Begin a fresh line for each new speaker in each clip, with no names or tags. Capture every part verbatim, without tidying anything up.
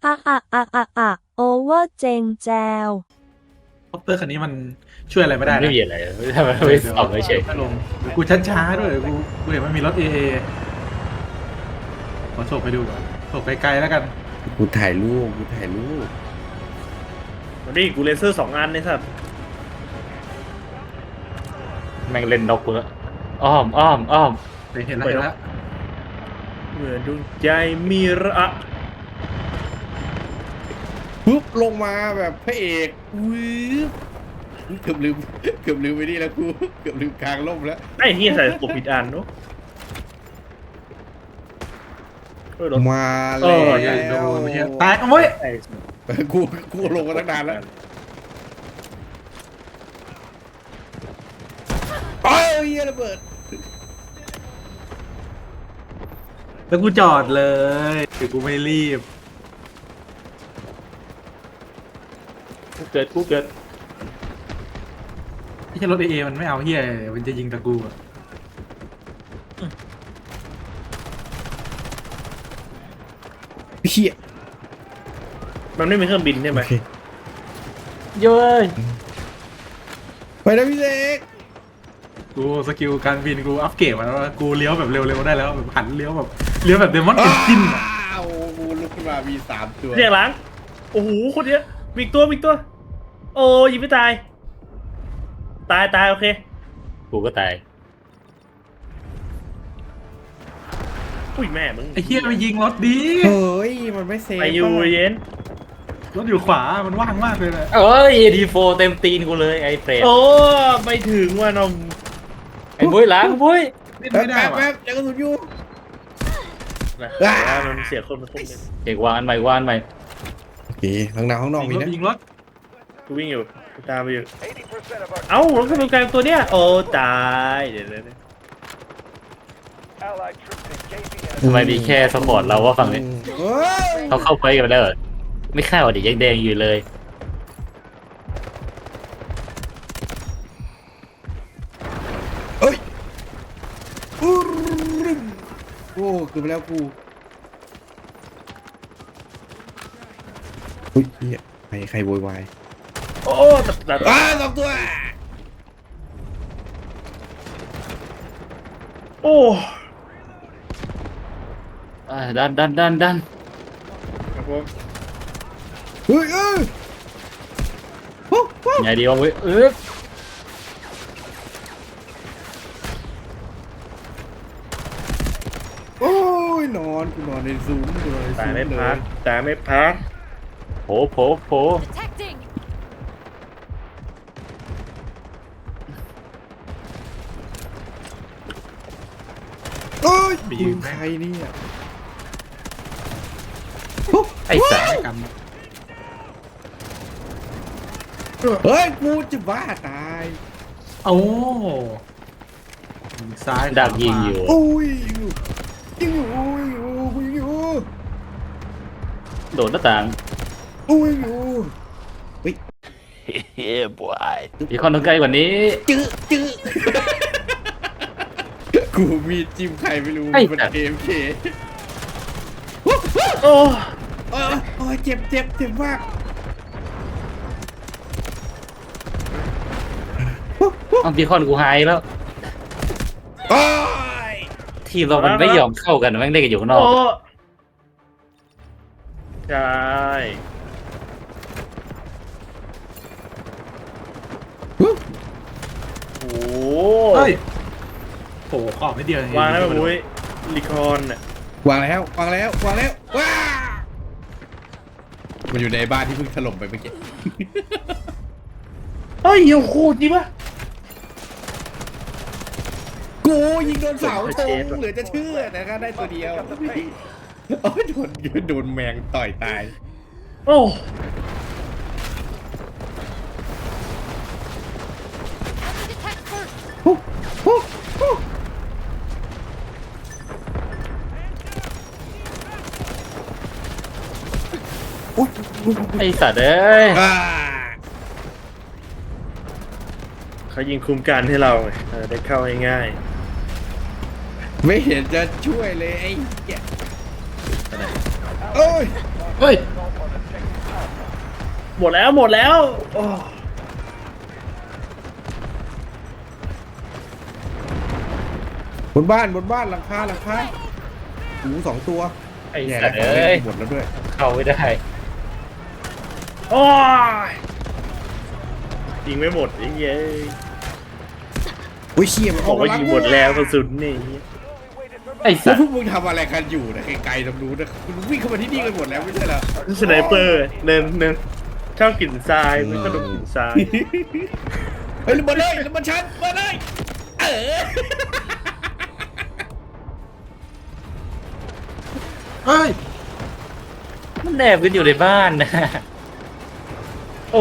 อะอะอะอะอะโอเวอร์เจงแจว
คอปเตอร์คันนี้มันช่วยอะไรไม่
มัน
ได้นะ
ไม่มีอะไรทำไมไม่สอบไม่เฉย
ถ้าลงเดี๋ยวกูช้าๆด้วยกูกูเห็นมันมีรถเอเอขอโฉบไปดูก่อนโฉบไกลๆแล้วกัน
กูถ่ายรูปกูถ่ายรูป
วันนี้กูเลเซอร์สองอันเลยสัตว์
แม่งเล่นนกเพื่ออ้อมอ้อมอ้อม
เห็นแล้วเห็นแล้ว
เหมือนดวงใจมีระ
ปุ๊บลงมาแบบพระเอกวืบเกือบลืมเกือบลืมไปนี่แล้วกูเกือบลืมกลางร่มแล้ว
ไอ้เฮียใส่ตัวผิดอันเนาะเฮ้ยรถ
มา
เอ
แล้
อ
ใหญ่โด
วน
ไม่ใช่แตกเอาไว้ย
ไอ้
กูกูลงมาตั้งนานแล้วโอ้ยเหี้ยระเบิด
แล้วกูจอดเลยคือกูไม่รีบ
กูเกิดกูเกิด
ไม่ใช่รถเอเอมันไม่เอาเฮียมันจะยิงตะกูอะ
เฮีย
มันไม่มีเครื่องบินใช่ไหม
โอเค
เย้ย
ไปนะพี่เล็ก
กูสกิลการบินกูอัพเกรดมาแล้วกูเลี้ยวแบบเร็วๆได้แล้วแบบหันเลี้ยวแบบเลี้ยวแบบเดมอนเอนจินอะ
อ้าวกูลุกขึ้นมามีสามตัว
เรียกหลังโอ้โหคนเนี้ยมีอีกตัวมีอีกตัว โอ้ยิงไม่ตาย ตายตายโอเค
กูก็ตาย
อุ้ยแม่มึง
ไอ้เฮียไปยิงรถดี
เฮ้ยมันไม่เซฟ
ไปอยู่
ป่ะ
เย็น
รถอยู่ขวามันว่างมากเลยนะ
เอ้ย เอ ดี โฟร์ เต็มตีนกูเลยไอ้เฟรด
โอ้ไม่ถึงว่านม
ไอ้บุ้ยหล้างบุ้ย
เล่น
แป๊บ
ไม่ได้
แป๊บ
ว่ะ
แป๊บยังกระสุนอยู่
นะ
อ่า
มันเสียคนมาคนหนึง
เก่งวางอันใหม่วางอันใหม่
โอเคข้างหน้าข้างนอก
ยิ
มี
งรถ
นะ
ยิงรถ
กูวิ่งอยู่กูตามไปอยู่เอ้ารถกำลังกลางตัวเนี้ยโอ้ตายเดี๋ยวเดี๋ยวเดี๋ยว
ทำไมมีแค่สปอร์ตเราว่าฝั่งนี้
เฮ้ย
เขาเข้าไปกันแล้วเหรอไม่เข้าดิยังแดงอยู่เลย
เอ้ยอู้รึมโอ้เกือบไปแล้วกูอุ้ยเฮียใครใครโวยวาย
โอ้ตัดตัด
อ้าสองตัว
โอ้
อ่าดันดันดันดัน
ครับผม
เฮ้ยเอ้ยฮู้ฮู้
ไงดีวะเว้ยเออ
โอ้ยนอนกูนอนในซูมกูนอนใน
ตา
ซู
ย
ม
ไม่
เล
พัก
ย
ตายไม่พัก
โผโผโผ
Detecting
เอ้ยยิงใครเนี่ยฮู้
ไอ้สัส
ไปกัน
เฮ้ยกูจะบ้าตาย
โอ้ยิงซ้าย
ดักยิงอยู่
อุ้ยยิงอยู่ยิงอยู่อุ้ยอยู่อุ้ยอยู่
โดดหน้าต่าง
อุ้ยอยู่เฮ้ย
มีคนตรงใกล้กว่านี้
จื้อจื้อกูมีจิ้มใครไม่รู้
ไอ้
มัน
สัตว์
เอ็มเค
โอ้
โอ้ยโอ้ยเจ็บเจ็บเจ็บมาก
เอาบีคอนกูหายแล้ว
โอ้ย
ทีมเรามันไม่ยอมเข้ากันแม่งเล่นกันอยู่ข้างนอก
โอ้ใช่
ฮู้
โอ้
เฮ้ยโผล่ขอบไม่เดียวเอง
วางแล้วแบบมุ้ยลิคอนน่ะ
วางแล้ววางแล้ววางแล้วว้ามันอยู่ในบ้านที่เพิ่งถล่มไปเมื่อกี้
เฮ้ยโอ้โหจริงปะ
กูยิงโดนเสาธงเหลือจะเชื่อนะครับได้ตัวเดียวโอ้ยโดนโดนแมงต่อยตาย
โอ้
Detect first
ฮู้ฮู้ฮู้อุ๊ย
ไอ้สัตว์เอ้ย
อ่า
เขายิงคุมการให้เราไงเออได้เข้าง่าย
ไม่เห็นจะช่วยเลยไอ้เหี้ยโอ้ย
เฮ้ย
หมดแล้วหมดแล้วโอ้
บนบ้านบนบ้านหลังคาหลังคาหูสองตัว
ไอ้
แย่
สั
แล้
ต
ว
ว์
ของ
เอ้
เล่
ย
นหมดแล้วด้วย
เข้าไม่ได้
โอ้ยยิงไม่หมดไอ้เหี้ย
อุ้ยเชี่ยมัน
บอกว่ายิงหมดแล้วกระสุนนี่
ไอ้
แล้
สั
ว
ต
พว
ว์
กมึงทำอะไรกันอยู่นะไกลๆตรงนู้นนะคุณวิ่งเข้ามาที่นี่กันหมดแล้วไม่ใช่เหรอ
สไนเปอร์เนินเนินชอบกลิ่นทรายมันก็ดมกลิ่นทราย
เฮ้ยระเบิดเลยระเบิดชั้นระเบิดเลยเออ
เฮ้ย
มันแอบกันอยู่ในบ้านนะ โอ้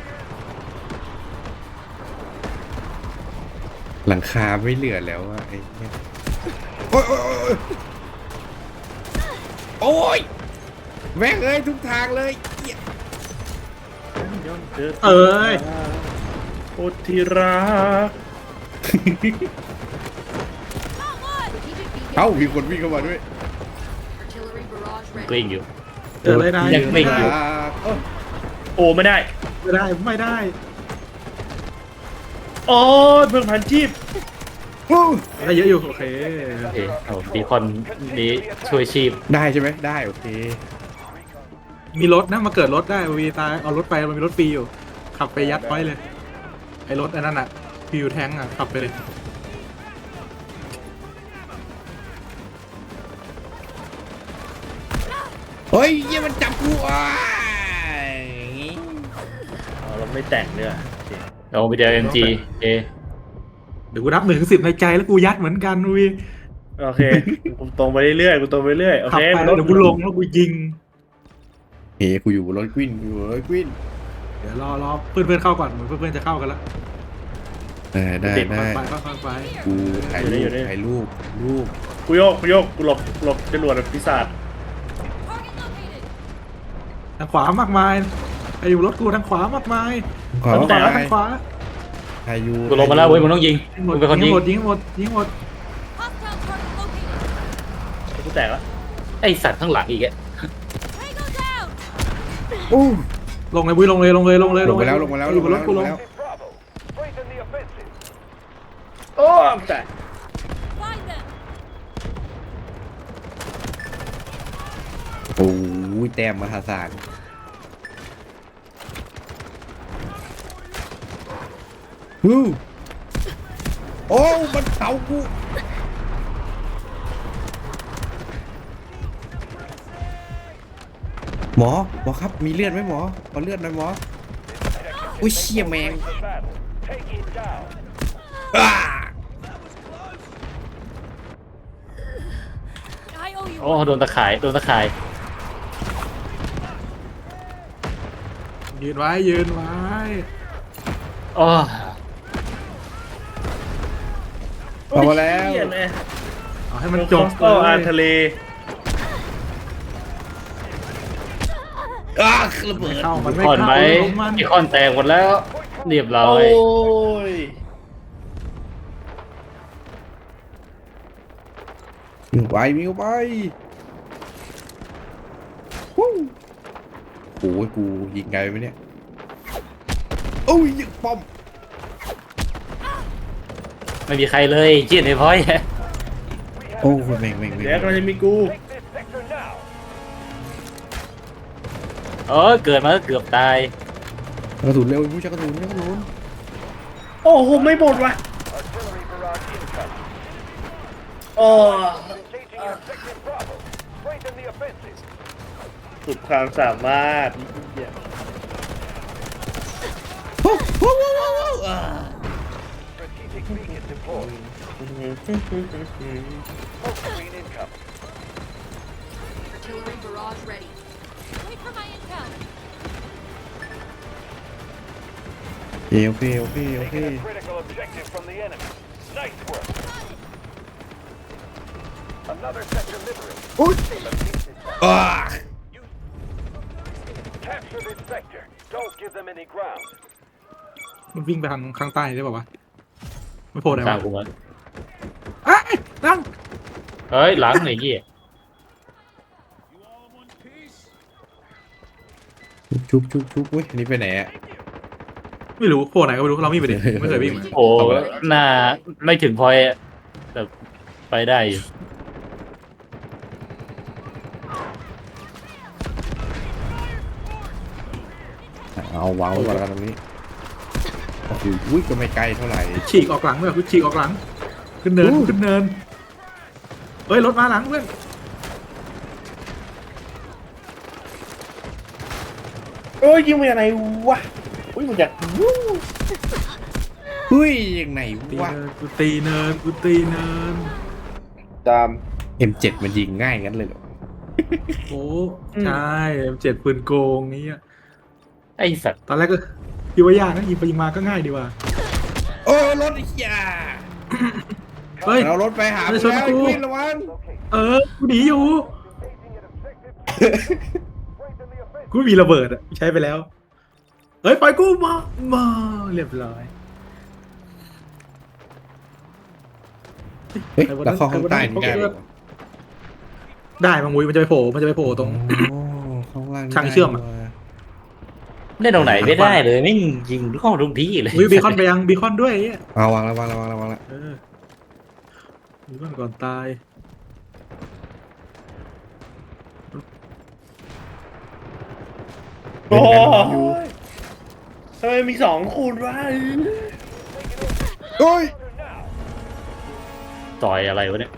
หลังคาไม่เหลือแล้วอะไอ้เนี่ยโอ้ยโอ้ยโอ้ยโอ้ยแม่งเอ้ยทุกทางเลยเหี้ย
เอ้ย
โอทีรัก
เอ้ามีคนวิ่งเข้ามาด้วย
กลิ้งอยู่
เจอเลยนาย
ยังไม่อยู่
อ่าเอ้ย
โอ้ไม่ได้
ไม่ได้ไม่ได้
โอ้ยเพิ่งพันชีพ
โอ้ย
ได้เยอะอยู่โอเค
โอเคเอาบีคอนนี้ช่วยชีพ
ได้ใช่ไหมได้โอเค
มีรถนะมาเกิดรถได้วีตายเอารถไปมันมีรถฟรีอยู่ ขับไปยัดไว้เลย ไอ้รถอันนั้นอ่ะฟิวแทงอ่ะขับไปเลย
เฮ้ยเยี่ยมันจับกูอ่ะ
อ๋อเราไม่แต่งเนื้อ
เราไปเจอเอ็มจีเอ
เดี๋ยวกูนับหนึ่งถึงสิบในใจแล้วกูยัดเหมือนกันวี
โอเคกูตรงไปเรื่อยๆกูตรงไปเรื่อยโอ
ขับ
เค
ไปแล้วเดี๋ยวกูลงแล้วกูยิง
เฮ้ยกูอยู่บนรถกวินกูอยู่บนรถกวิน
เดี๋ยวรอรอเพื่อนเพื่อนๆเข้าก่อนเหมือนเพื่อนเพื่อนๆจะเข้ากันแล้ว
ได้ได้
ค่
ได้
อยๆไปค่อยๆไป
กูถ่ายรูปถ่ายรูปรูป
กูโยกกูโยกกูหลบหลบจรวดปีศาจ
ทางขวามากมายไอ้อยู่รถกูทางขวามากมาย
ขอ
ทางขวา
ถ่าย
ทางขวา
ถ่ายยู
กูลงมาแล้วเว้ยมึงต้องยิง
ยิงหม
มึ
ด
งเป็นคน
ยิ
ยิ
ง
ง
หมดยิงหมดยิงหมด
กูแตกแล้ว
ไอสัตว์ข้างหลังอีกอะ
โอ้
ลงเลยบุ้ยลงเลยลงเลยลงเลย
ลงไปแล้วลงไปแล้ว
อ
ล
ยู่
ง
บ
ไป
นร
แล้
ถ
ว
กู
ล
ล
ง
ง
ไปแล้ว
โอ้แตก
โอ้ยแต้มมหาศาลฮู้โอ้มันเผากูหมอหมอครับมีเลือดไหมหมอขอเลือดหน่อยหมออุ้ยเชี่ยแมงอ้า
โอ้โดนตะข่ายโดนตะข่าย
ยืนไว้ยืนไว้
อ๋อ
เอามาแล้ว
เหี้ยเลย
เอาให้มันจบ
ก็อาทะเล
อ้าระเบิด
เข้ามันไม่
คอนไหม
เข้าลงมัน
ไอคอนแตกหมดแล้วเรียบร้อ
โอ้
ย
ย
มิวไปมิวไปฮู้โอ้ยกูยิงไงไหมเนี่ยโอ้ยยิงป้อม
ไม่มีใครเลยเจียนไอ้พอย
โอ้ยแม่งแม่งแม่ง
เดี๋ยวกำลังจะมีกู
เออเกิดมาก็เกือบตาย
กระสุนเร็วผู้ชักกระสุนชักกระสุน
โอ้โหไม่หมดว่ะโอ้สุดความสามารถเหี้ย
โอ้โหโอ้โหโอ้โหอ่า
Artillery barrage ready. Wait for my intel.
โอเคโอเคโอเค
Critical objective from the enemy. Nice work. Another sector liberated.
โอ้ยอ่า
Capture this sector. Don't give them any ground.
มันวิ่งไปทางข้างใต้ได้ป่าวะไม่โผล่ไหน
ตาม
วะ
กูมา
เอ้ยตั้ง
เฮ้ยหลังไอ้เหี้ย
ชุบชุบชุบอุ้ยอันนี้ไปไหนอ่ะ
ไม่รู้โผล่ไหนก็ไม่รู้เราไม่ไปดิไม่เคยวิ่งมา
โอ้หน้าไม่ถึงพอยต์อะแต่ไปได้อยู่
เอาวางไว้ก่อนแล้วกันตรงนี้โอ้โหอุ้ยก็ไม่ไกลเท่าไหร่
ฉีกออกหลังเลยคุณฉีกออกหลัง ขึ้นเนินขึ้นเนินเฮ้ยรถมาหลังเพื่อน
โอ้ยยิงมาจากไหนวะอุ้ยมาจากวู้
เฮ้ยยังไง
ตี
วะ
เนินกูตีเนินกูตีเนิน
ตาม
เอ็มเจ็ด มันยิงง่ายงั้นเลยเหรอ
โอ้ใช่เจ็ดปืนโกงนี้ย
ไอ้สัตว์
ตอนแรกก็คิดว่ายากนะยิงไปยิงมาก็ง่ายดีว่า
โอ้รถไอ้เหี้ย
เฮ้ย
เรารถไปหา
ไม่
มึง
ชน
แล้ว
กู
ไอ้ควินระวัง
เออกูหนีอยู่ กูมีระเบิดอะใช้ไปแล้ว เฮ้ยปล่อยกูมามาเรียบร้อย
เฮ้ยแล้วเข้าข้างใต้นี่ได้ปะ
ได้บางมุ้ยมันจะไปโผล่มันจะไปโผล่ตรง
โอ้ข้างล่างนี่
ทางเชื่อมอะ
ได้ว่ะ
เล่นตรงไหนไม่ได้เลยไม่งยิงทุกข้อทุกที่เลย
มุ้ยบีคอนไปยังบีคอนด้วยไอ้เหี้ย
เอาวางแล้ววางแล้ววางแล้ววางแล้ว
เออบีคอนก่อนตาย
โอ้ยทำไมมีสองคูณวะ
โอ้ย
ต่อยอะไรวะเนี่ย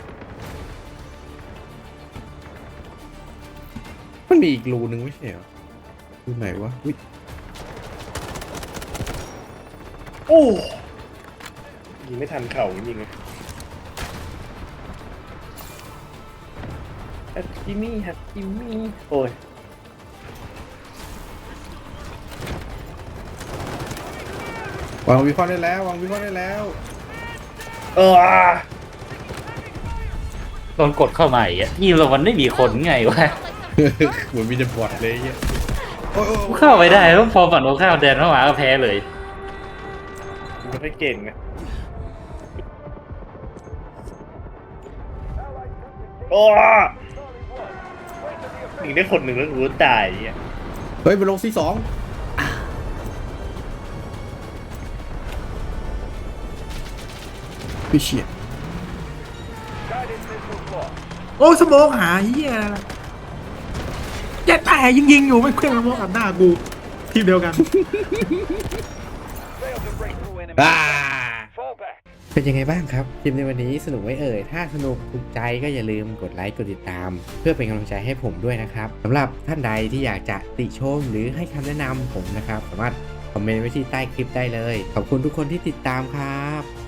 มันมีอีกรูนึงไม่ใช่เหรอรูไหนวะอุ้ย
โอ้ยิงไม่ทันเข่าจริงๆเลยฮัตจิมี่ฮัตจิมี่โอ้ยว
างวิเคราะห์ได้แล้ววางวิเคราะห์ได้แล้ว
เออ
โดนกดเข้ามาอีกอะยิงเรามันไม่มีคนไงวะ
เหมือนมีแต่บอดเลยไอ้เหี้ยโอ้ยโอ้ย
กูเข้าไปได้แล้วพอฝั่งโน้นเข้าแดนเข้ามาก็แพ้เลย
ไม่ค่อยเก่งนะโอ้ยิงได้คนหนึ่งแล้วกูตายอ่ะ
เฮ้ยไปลงซีสองพี่เชี่ย
Guided missile lost.
โอ้สโมองหาเหี้ยแย่แต่ยิงยิงๆอยู่ไม่เคลื่อนสโมองอัดหน้ากูทีมเดียวกัน
Failed to break through enemy.
อ่า
Fall back.
เป็นยังไงบ้างครับคลิปในวันนี้สนุกไหมเอ่ยถ้าสนุกถูกใจก็อย่าลืมกดไลค์กดติดตาม เพื่อเป็นกำลังใจให้ผมด้วยนะครับสำหรับท่านใดที่อยากจะติชมหรือให้คำแนะนำผมนะครับสามารถคอมเมนต์ไว้ที่ใต้คลิปได้เลยขอบคุณทุกคนที่ติดตามครับ